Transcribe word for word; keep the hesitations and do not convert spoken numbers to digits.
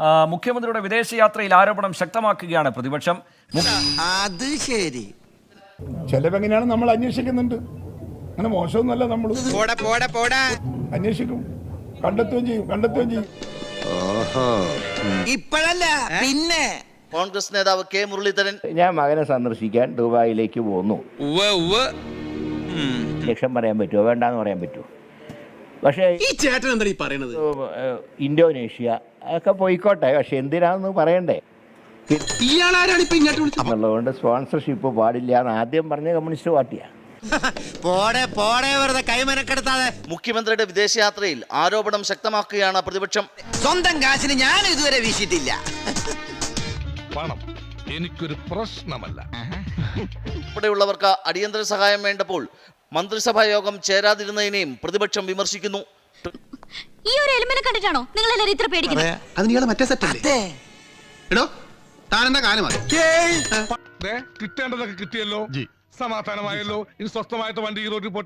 മുഖ്യമന്ത്രിയുടെ വിദേശയാത്രയിൽ ആരോപണം ശക്തമാക്കുകയാണ് പ്രതിപക്ഷം. അത് ശരി, ചെലവെങ്ങനെയാണ് നമ്മൾ അന്വേഷിക്കുന്നുണ്ട്. അങ്ങനെ മോശമൊന്നുമല്ല, നമ്മൾ അന്വേഷിക്കും, കണ്ടെത്തുകയും ചെയ്യും കണ്ടെത്തുകയും ചെയ്യും ഇപ്പോഴല്ല പിന്നെ. കോൺഗ്രസ് നേതാവ് കെ മുരളീധരൻ ഞാൻ മകനെ സന്ദർശിക്കാൻ ദുബായിലേക്ക് പോന്നു. ലക്ഷം പറയാൻ പറ്റുമോ, വേണ്ടാന്ന് പറയാൻ പറ്റുമോ? പക്ഷേ ഈ ചേട്ടൻ എന്താ ഈ പറയണത്? ഇന്തോനേഷ്യ ഒക്കെ പോയിക്കോട്ടെ, പക്ഷെ എന്തിനാന്ന് പറയണ്ടേ എന്നുള്ളതുകൊണ്ട് സ്പോൺസർഷിപ്പ് പാടില്ല എന്ന് ആദ്യം പറഞ്ഞ കമ്മ്യൂണിസ്റ്റ് പാർട്ടിയാണ്. പോടെ പോടെ വെറുതെ കൈമനക്കെടുത്താതെ. മുഖ്യമന്ത്രിയുടെ വിദേശയാത്രയിൽ ആരോപണം ശക്തമാക്കുകയാണ് പ്രതിപക്ഷം. സ്വന്തം കാശിന് ഞാൻ ഇതുവരെ വീശിയിട്ടില്ല. പണം എനിക്കൊരു പ്രശ്നമല്ല. ഇവിടെയുള്ളവർക്ക് അടിയന്തര സഹായം വേണ്ടപ്പോൾ മന്ത്രിസഭാ യോഗം ചേരാതിരുന്നതിനെയും പ്രതിപക്ഷം വിമർശിക്കുന്നു. ഈ ഒരു എലിമെന്റ് കണ്ടിട്ടാണോ നിങ്ങൾ എല്ലാവരും ഇത്ര പേടിക്കുന്നത്? അത് നീളെ മറ്റേ സെറ്റല്ലേ? എടോ താനെന്താ കാലം കിട്ടേണ്ടതൊക്കെ കിട്ടിയല്ലോ, സമാധാനമായല്ലോ. ഇനി സ്വസ്ഥമായിട്ട് വണ്ടി ഈ റോഡിൽ